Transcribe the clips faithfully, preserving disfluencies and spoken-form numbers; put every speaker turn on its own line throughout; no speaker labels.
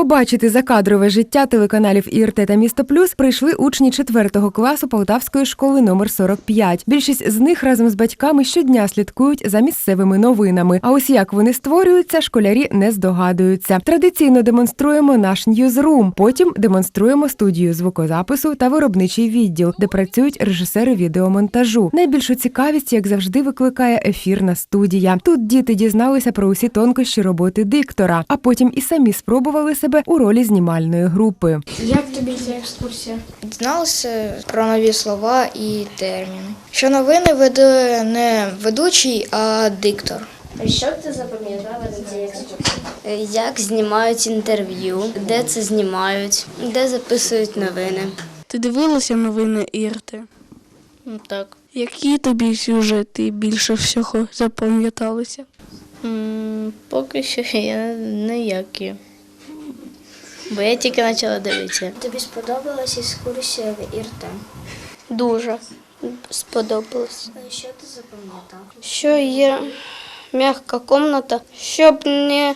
Побачити закадрове життя телеканалів ІРТ та Місто Плюс прийшли учні четвертого класу Полтавської школи номер сорок п'ять. Більшість з них разом з батьками щодня слідкують за місцевими новинами. А ось як вони створюються, школярі не здогадуються. Традиційно демонструємо наш ньюзрум, потім демонструємо студію звукозапису та виробничий відділ, де працюють режисери відеомонтажу. Найбільшу цікавість, як завжди, викликає ефірна студія. Тут діти дізналися про усі тонкощі роботи диктора, а потім і самі спробували себе у ролі знімальної групи.
Як тобі ця екскурсія?
Дізналися про нові слова і терміни. Що новини веде не ведучий, а диктор.
А що б ти запам'ятала на цій екскурсії?
Як знімають інтерв'ю, де це знімають, де записують новини.
Ти дивилася новини ІРТ?
Так.
Які тобі сюжети більше всього запам'яталися?
М, Поки що я ніякі. Бо я тільки почала дивитися.
Тобі сподобалася екскурсія в ІРТ?
Дуже сподобалось.
Що ти запам'ятав?
Що є м'яка кімната, щоб не,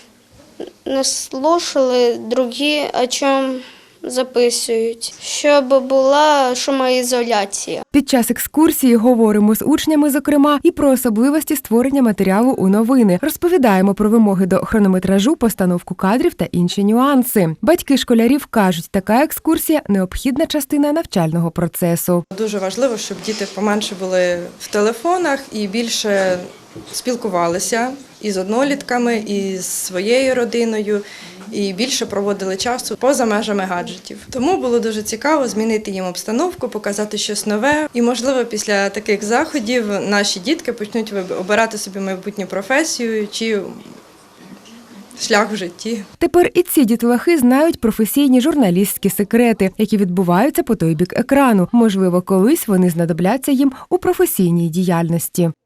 не слухали другі, о чому записують, щоб була шумоізоляція.
Під час екскурсії говоримо з учнями, зокрема, і про особливості створення матеріалу у новини. Розповідаємо про вимоги до хронометражу, постановку кадрів та інші нюанси. Батьки школярів кажуть, така екскурсія – необхідна частина навчального процесу.
Дуже важливо, щоб діти поменше були в телефонах і більше спілкувалися і з однолітками, і з своєю родиною, і більше проводили часу поза межами гаджетів. Тому було дуже цікаво змінити їм обстановку, показати щось нове. І, можливо, після таких заходів наші дітки почнуть обирати собі майбутню професію чи шлях в житті.
Тепер і ці дітлахи знають професійні журналістські секрети, які відбуваються по той бік екрану. Можливо, колись вони знадобляться їм у професійній діяльності.